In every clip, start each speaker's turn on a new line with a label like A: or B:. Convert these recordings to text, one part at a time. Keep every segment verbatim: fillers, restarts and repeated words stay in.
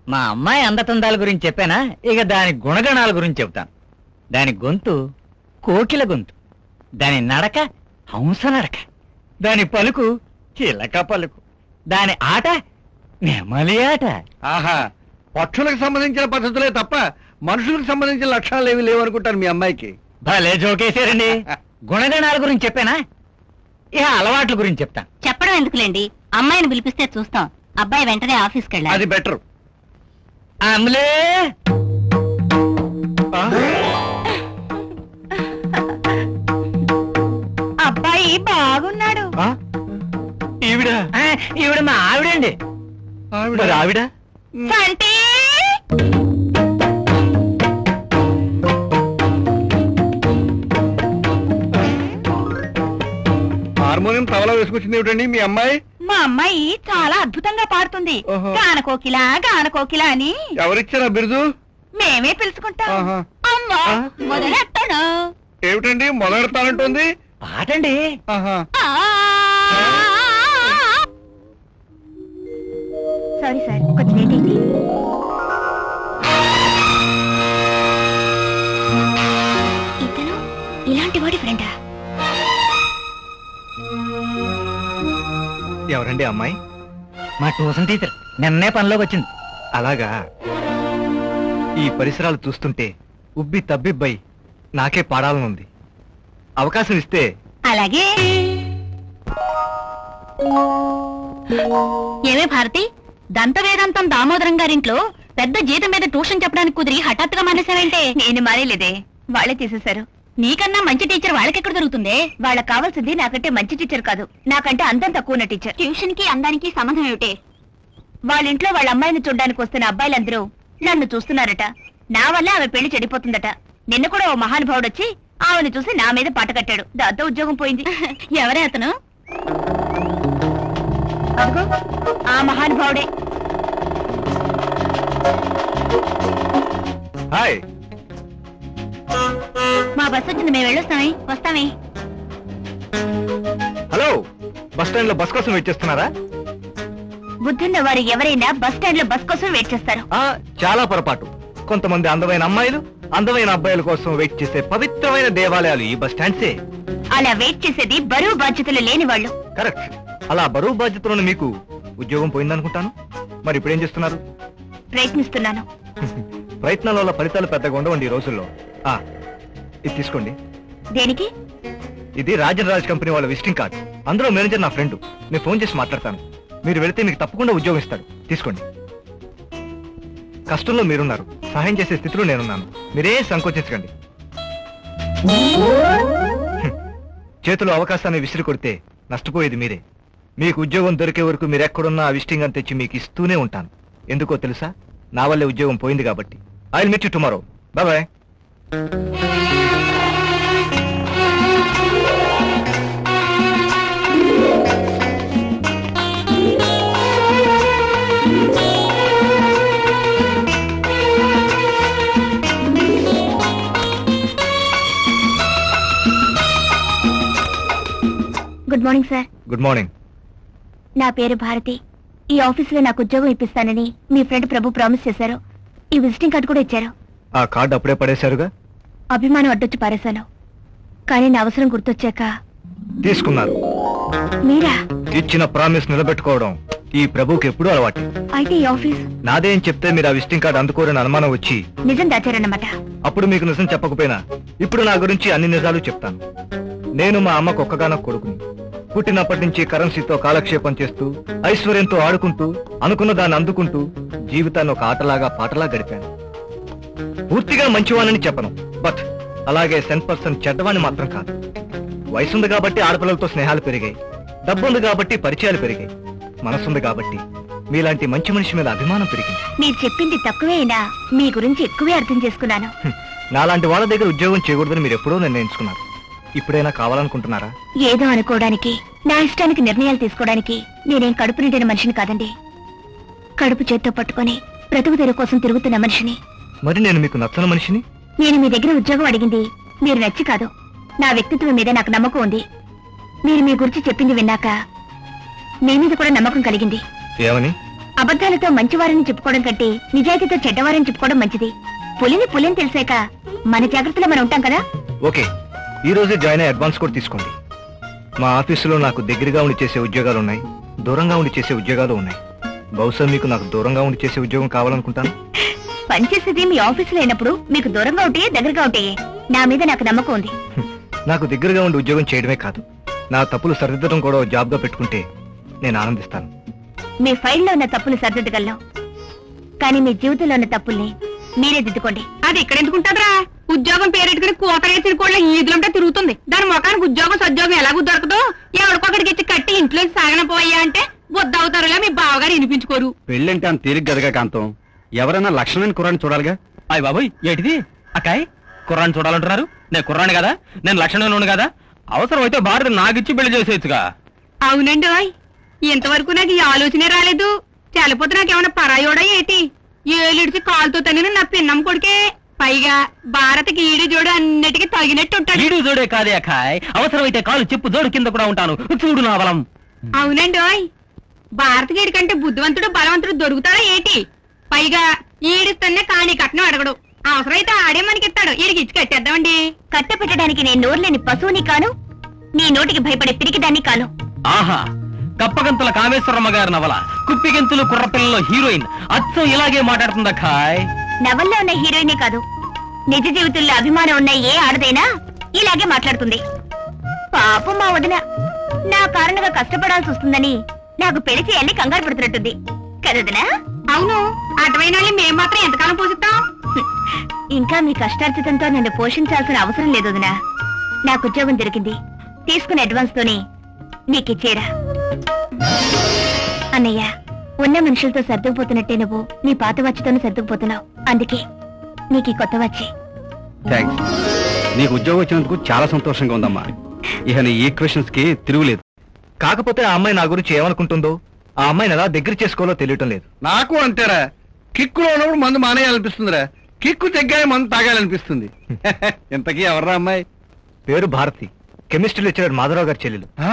A: మా అమ్మాయి అందతందాల గురించి చెప్పానా, ఇక దాని గుణగణాల గురించి చెప్తాను. దాని గొంతు కోకిల గొంతు, దాని నడక హంస నడక, దాని పలుకు చిలక పలుకు, దాని ఆట నెమలి ఆట.
B: ఆహా, పక్షులకు సంబంధించిన పద్ధతులే తప్ప మనుషులకు సంబంధించిన లక్షణాలు ఏవి లేవనుకుంటారు మీ అమ్మాయికి.
A: భలే జోకేశారండి. గుణగణాల గురించి చెప్పానా, ఇక అలవాట్ల గురించి చెప్తాను.
C: చెప్పడం ఎందుకులేండి, అమ్మాయిని పిలిపిస్తే చూస్తాం. అబ్బాయి వెంటనే ఆఫీస్కి వెళ్ళాలి.
B: అది బెటర్.
A: అమ్లే
C: అబ్బాయి బాగున్నాడు.
A: ఈవిడ ఈవిడ మా ఆవిడండి.
B: ఆవిడ
A: ఆవిడ
C: అంటే
B: హార్మోనియం తవలా వేసుకొచ్చింది ఏమిటండి మీ అమ్మాయి?
C: మా అమ్మాయి చాలా అద్భుతంగా పాడుతుంది.
B: ఓహో.
C: గానకోకిల గానకోకిల అని
B: ఎవరిచ్చారా బిరుదు?
C: మేమే పిలుచుకుంటాం.
B: ఆహా.
C: అమ్మా
B: ఆ?
C: మొదలెట్టాను.
B: ఏమిటండి మొదలెడతానంటుంది?
A: పాటండి.
B: ఆహా.
C: సారీ సార్, కొంచెం లేట్ అయింది. ఇతను ఇలాంటి వాడి ఫ్రెండా?
D: ఎవరండి అమ్మాయి?
A: మా ట్యూషన్ టీచర్ నిన్నే పనిలోకి వచ్చింది.
D: అలాగా. ఈ పరిసరాలు చూస్తుంటే ఉబ్బి తబ్బిబ్బై నాకే పాడాలనుంది. అవకాశం ఇస్తే.
C: అలాగే. ఏమే భారతి, దంత వేదాంతం దామోదరం గారింట్లో పెద్ద జీతం మీద ట్యూషన్ చెప్పడానికి కుదిరి హఠాత్తుగా మానేశారంటే? నేను మానేలేదే, వాళ్ళే తీసేశారు. నీకన్నా మంచి టీచర్ వాళ్ళకెక్కడ దొరుకుతుందే? వాళ్ళకి కావాల్సింది నాకంటే మంచి టీచర్ కాదు, నాకంటే అందం తక్కువ ఉన్న టీచర్. ట్యూషన్ కి అందానికి సంబంధం ఏమిటే? వాళ్ళ ఇంట్లో వాళ్ళ అమ్మాయిని చూడ్డానికి వస్తున్న అబ్బాయిలందరూ నన్ను చూస్తున్నారట. నా వల్ల ఆమె పెళ్లి చెడిపోతుందట. నిన్న కూడా ఓ మహానుభావుడు వచ్చి ఆమెను చూసి నా మీద పాట కట్టాడు. దాంతో ఉద్యోగం పోయింది. ఎవరే అతను? అదిగో ఆ మహానుభావుడే.
D: హాయ్.
C: మా బస్ వచ్చింది, మేము వెళ్ళొస్తామే. వస్తామే.
D: హలో, బస్ స్టాండ్ లో బస్ కోసం వెయిట్ చేస్తున్నారా?
C: బుద్ధున్న వారు ఎవరైనా బస్ స్టాండ్ లో బస్ కోసం వెయిట్ చేస్తారు.
D: ఆ చాలా పొరపాటు. కొంతమంది అందమైన అమ్మాయిలు అందమైన అబ్బాయిల కోసం వెయిట్ చేసే పవిత్రమైన దేవాలయాలు ఈ బస్ స్టాండ్సే.
C: అలా వెయిట్ చేసేది బరువు బాధ్యతలు లేని వాళ్ళు.
D: కరెక్ట్. అలా బరువు బాధ్యతలను మీకు ఉద్యోగం పోయిందనుకుంటాను. మరి ఇప్పుడు ఏం చేస్తున్నారు?
C: ప్రయత్నిస్తున్నాను.
D: ప్రయత్నాల వల్ల ఫలితాలు పెద్దగా ఉండవండి ఈ రోజుల్లో. ఆ ఇది తీసుకోండి.
C: దేనికి?
D: ఇది రాజన్ రాజ్ కంపెనీ వాళ్ళ విజిటింగ్ కార్డు. అందులో మేనేజర్ నా ఫ్రెండ్. నేను ఫోన్ చేసి మాట్లాడతాను. మీరు వెళితే మీకు తప్పకుండా ఉద్యోగం ఇస్తాడు. తీసుకోండి. కష్టంలో మీరున్నారు, సహాయం చేసే స్థితిలో నేనున్నాను. మీరే సంకోచించకండి. చేతిలో అవకాశాన్ని విసిరి కొడితే నష్టపోయేది మీరే. మీకు ఉద్యోగం దొరికే వరకు మీరెక్కడున్నా ఆ విజిటింగ్ అని తెచ్చి మీకు ఇస్తూనే ఉంటాను. ఎందుకో తెలుసా? నా వల్లే ఉద్యోగం పోయింది కాబట్టి. I will meet you tomorrow. Bye bye.
C: Good morning sir.
D: Good morning.
C: నా పేరు భారతి. ఈ ఆఫీసులో నాకు ఉద్యోగం ఇప్పిస్తానని మీ ఫ్రెండ్ ప్రభు ప్రామిస్ చేశారు. ఈ విజిటింగ్ కార్డు కూడా ఇచ్చారు.
D: ఆ కార్డు అప్పుడే పడేశారుగా.
C: అభిమానం అడ్డొచ్చి పారేశాను, కానీ నా అవసరం గుర్తొచ్చాక
D: తీసుకున్నారు.
C: మీరా?
D: ఇచ్చిన ప్రామిస్ నిలబెట్టుకోవడం ఈ ప్రభుకి ఎప్పుడూ అలవాటు.
C: అయితే ఈ ఆఫీస్
D: నాదే అని చెప్తే మీరు ఆ విజిటింగ్ కార్డు అందుకోరని అనుమానం వచ్చి
C: నిజం దాచారన్నమాట.
D: అప్పుడు మీకు నిజం చెప్పకపోయినా ఇప్పుడు నా గురించి అన్ని నిజాలు చెప్తాను. నేను మా అమ్మకు ఒక్కగానొక్క కొడుకుని. పుట్టినప్పటి నుంచి కరెన్సీతో కాలక్షేపం చేస్తూ ఐశ్వర్యంతో ఆడుకుంటూ అనుకున్న దాన్ని అందుకుంటూ జీవితాన్ని ఒక ఆటలాగా పాటలా గడిపాను. పూర్తిగా మంచివానని చెప్పను, బట్ అలాగే సెన్ పర్సెంట్ చెడ్డవాణ్ణి మాత్రం కాదు. వయసుంది కాబట్టి ఆడపిల్లలతో స్నేహాలు పెరిగాయి, డబ్బుంది కాబట్టి పరిచయాలు పెరిగాయి, మనసుంది కాబట్టి మీలాంటి మంచి మనిషి మీద అభిమానం పెరిగింది.
C: మీరు చెప్పింది తక్కువే అయినా మీ గురించి ఎక్కువే అర్థం చేసుకున్నాను.
D: నాలాంటి వాళ్ళ దగ్గర ఉద్యోగం చేయకూడదని మీరు ఎప్పుడో నిర్ణయించుకున్నారు. ఇప్పుడైనా కావాలనుకుంటున్నారా?
C: ఏదో అనుకోవడానికి, నా ఇష్టానికి నిర్ణయాలు తీసుకోవడానికి నేనేం కడుపు నిండిన మనిషిని కాదండి. కడుపు చేత్తో పట్టుకొని బ్రతుకు తెరువు కోసం తిరుగుతున్న మనిషిని.
D: మరి నేను మీకు నచ్చని మనిషిని?
C: నేను మీ దగ్గర ఉద్యోగం అడిగింది మీరు నచ్చి కాదు, నా వ్యక్తిత్వం మీద నాకు నమ్మకం ఉంది. మీరు మీ గురించి చెప్పింది విన్నాక మీ మీద కూడా నమ్మకం కలిగింది.
D: ఏమని?
C: అబద్ధాలతో మంచివారని చెప్పుకోవడం కంటే నిజాయితీతో చెడ్డవారని చెప్పుకోవడం మంచిది. పులిని పులిని తెలిసాక మన జాగ్రత్తలో మనం ఉంటాం కదా.
D: ఓకే, ఈ రోజే జాయిన్ అయ్యి అడ్వాన్స్ కూడా తీసుకోండి. మా ఆఫీసులో నాకు దగ్గరగా ఉండి చేసే ఉద్యోగాలు ఉన్నాయి, దూరంగా ఉండి చేసే ఉద్యోగాలు ఉన్నాయి. బహుశా మీకు నాకు దూరంగా ఉండి చేసే ఉద్యోగం కావాలనుకుంటాను.
C: పనిచేసేది మీ ఆఫీసులో అయినప్పుడు మీకు దూరంగా ఉంటాయే దగ్గరగా ఉంటాయే నా మీద నాకు నమ్మకం ఉంది.
D: నాకు దగ్గరగా ఉండి ఉద్యోగం చేయడమే కాదు, నా తప్పులు సరిదిద్దడం కూడా ఓ జాబ్గా పెట్టుకుంటే నేను ఆనందిస్తాను.
C: మీ ఫైల్లో ఉన్న తప్పులు సరిదిద్దగలం, కానీ మీ జీవితంలో ఉన్న తప్పుల్ని మీరే దిద్దుకోండి. అది ఇక్కడ ఎందుకుంటారా? ఉద్యోగం పేరెట్టుకుని కూతరేసిన కోళ్ళ ఈదులంటే తిరుగుతుంది. దాని ముఖానికి ఉద్యోగం సద్యోగం ఎలాగూ దొరకదు. ఎవరికొకటికి ఇచ్చి కట్టి ఇంట్లో సాగనపోయా అంటే బొద్దవుతారులా మీ బావగారు వినిపించుకోరు.
B: పెళ్ళంటే అంత తేలిక గదగా కాంతం. ఎవరైనా లక్షణమైన కుర్రాన్ని చూడాలిగా.
A: అయ్య బాబోయ్, ఏంటిది అక్కాయ్? కుర్రాన్ని చూడాలంటున్నారు? నేను కుర్రాన్ని కదా, నేను లక్షణంలోను కదా. అవసరం అయితే భారత నాకిచ్చి పెళ్లి చేసేయచ్చుగా.
C: అవునండి, ఇంతవరకు నాకు ఈ ఆలోచనే రాలేదు. చలిపోతే నాకేమన్నా పరాయోడా ఏంటి? ఏలిడిచి కాలుతో తనిన నా పిన్నం కొడుకే. పైగా భారత్కి ఈడు జోడు అన్నిటికీ తగినట్టు ఉంటాడు.
A: ఈడు జోడే కాదే అక్కాయ్, అవసరమైతే కాలు చెప్పు జోడు కింద కూడా ఉంటాను. చూడు నా బలం.
C: అవునండి, భారత గీడి కంటే బుద్ధివంతుడు బలవంతుడు దొరుకుతాడా ఏంటి? పైగా ఈడిస్తేనే కాని కట్నం అడగడు. అవసరమైతే ఆడే మనకిస్తాడు. ఈడికి ఇచ్చి కట్టేద్దామండి. కట్ట పెట్టడానికి నేను నోరులేని పశువుని కాను, నీ నోటికి భయపడే పిరికిదాన్ని కాను.
A: ఆహా, కప్పగంతుల కామేశ్వరమ్మ గారి నవల కుప్పిగంతులు కుర్రపిల్లలో హీరోయిన్ అచ్చం ఇలాగే మాట్లాడుతుందా ఖాయ్?
C: నవల్లో ఉన్న హీరోయినే కాదు, నిజ జీవితంలో అభిమానం ఉన్న ఏ ఆడదైనా ఇలాగే మాట్లాడుతుంది. పాపం మా వదిన నా కారణంగా కష్టపడాల్సి వస్తుందని నాకు పెళ్లి చేయాలని కంగారు పడుతున్నట్టుంది కదదినా? అవును, అటువైన వాళ్ళని మేం మాత్రం ఎంతకాలం పోషిస్తాం? ఇంకా మీ కష్టార్జితంతో నన్ను పోషించాల్సిన అవసరం లేదు వదినా. నాకు ఉద్యోగం దొరికింది, తీసుకున్న అడ్వాన్స్ తోనే నీకిచ్చేరా. అన్నయ్య, ఉన్న మనుషులతో సర్దుకుపోతున్నట్టే నువ్వు నీ పాత వచ్చితోనే సర్దుకుపోతున్నావు. అందుకే నీకు ఈ కొత్త వచ్చి.
B: థ్యాంక్స్. నీకు ఉద్యోగం వచ్చినందుకు చాలా సంతోషంగా ఉందమ్మా. ఇక నీ ఈక్వెషన్స్ కి తిరుగులేదు.
D: కాకపోతే ఆ అమ్మాయి నా గురించి ఏమనుకుంటుందో, ఆ అమ్మాయిని ఎలా దగ్గర చేసుకోవాలో తెలియటం లేదు.
B: నాకు అంతేరా. కిక్కులో ఉన్నప్పుడు మందు మానేయాలనిపిస్తుందిరా, కిక్కు తెగ్గానే మందు తాగాలనిపిస్తుంది. ఇంతకీ ఎవర్రా అమ్మాయి?
D: పేరు భారతి, కెమిస్ట్రీ లెక్చరర్ మాధవరావు గారి చెల్లెలు.
B: ఆ?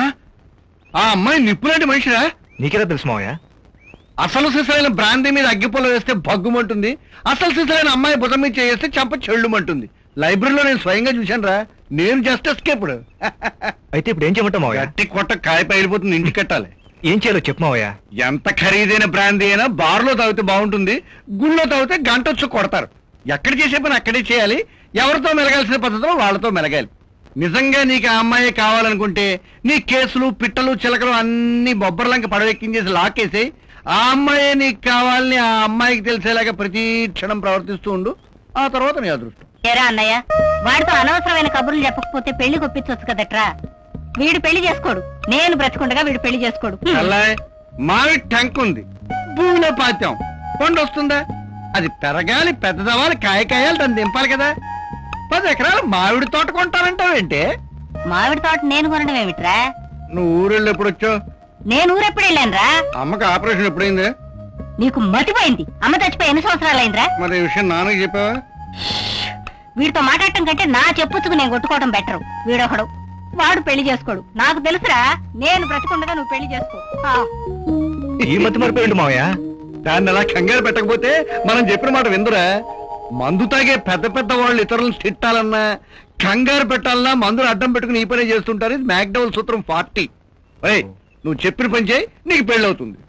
B: ఆ అమ్మాయి నిప్పులాంటి మనిషిరా?
D: నీకెలా తెలుసు మావయ్య?
B: అసలు సిసలైన బ్రాందీ మీద అగ్గిపొల వేస్తే భగ్గుమంటుంది, అసలు సిసలైన అమ్మాయి భుజం మీద చేస్తే చంప చెళ్ళుమంటుంది. లైబ్రరీలో నేను స్వయంగా చూశాను రా. నేను జస్ట్ ఎస్కేప్డ్.
D: అయితే ఇప్పుడు ఏం చేయమంటావు మావయ్య?
B: గట్టి కొట్ట కాయ పైలిపోతుంది, ఇంటికి కట్టాలి.
D: ఏం చేయాలో చెప్పు మావయ్య.
B: ఎంత ఖరీదైన బ్రాందీ అయినా బార్లో తాగితే బాగుంటుంది, గుళ్ళో తాగితే గంట వచ్చి కొడతారు. ఎక్కడ చేసే పని అక్కడే చేయాలి. ఎవరితో మెలగాల్సిన పద్ధతిలో వాళ్ళతో మెలగాలి. నిజంగా నీకు ఆ అమ్మాయి కావాలనుకుంటే నీ కేసులు పిట్టలు చిలకలు అన్ని బొబ్బర్లంక పడవెక్కించేసి లాకేసి ఆ అమ్మాయి నీకు కావాలని ఆ అమ్మాయికి తెలిసేలాగా ప్రతి క్షణం ప్రవర్తిస్తూ ఉండు. ఆ తర్వాత నీ అదృష్టం.
C: ఏరా అన్నయ్య, వాడితో అనవసరమైన కబుర్లు చెప్పకపోతే పెళ్లి కొప్పించవచ్చు కదట్రా. వీడు పెళ్లి చేసుకోడు, నేను బ్రతుకుండగా వీడు పెళ్లి చేసుకోడు.
B: అల్లాయ్, మావి టంక్ ఉంది, భూమిలో పాత్యం కొండ వస్తుందా? అది పెరగాలి, పెద్దదవ్వాలి, కాయ కాయాలి, దాన్ని దింపాలి కదా. పది ఎకరాలు మామిడి తోట కొంటానంటావేంటే?
C: మామిడి తోట నేను కొనడం ఏమిట్రా?
B: నువ్వు ఊరెళ్ళి ఎప్పుడు వచ్చావు?
C: నేను ఊరెప్పుడు వెళ్ళానురా?
B: అమ్మకి ఆపరేషన్ ఎప్పుడైంది?
C: నీకు మతిపోయింది. అమ్మ చచ్చిపోయి ఎన్ని సంవత్సరాలైందిరా?
B: మరి ఈ విషయం నాన్నకి చెప్పావా?
C: వీడితో మాట్లాడటం కంటే నా చెప్పుచ్చుకు నేను కొట్టుకోవడం బెటరు. వీడొకడు, వాడు పెళ్లి చేసుకోడు. నాకు తెలుసురా, నేను బ్రతికుండగా నువ్వు పెళ్లి చేసుకో. ఆ.
D: ఈ మతి మరిపోయింది మావయ్య.
B: దాన్ని అలా కంగారు పెట్టకపోతే మనం చెప్పిన మాట విందురా. మందు తాగే పెద్ద పెద్ద వాళ్ళు ఇతరులను తిట్టాలన్నా కంగారు పెట్టాలన్నా మందులు అడ్డం పెట్టుకుని ఈ పనే చేస్తుంటారు. ఇది మ్యాక్డౌల్ సూత్రం ఫార్టీ. నువ్వు చెప్పిన పని చేయి, నీకు పెళ్ళి అవుతుంది.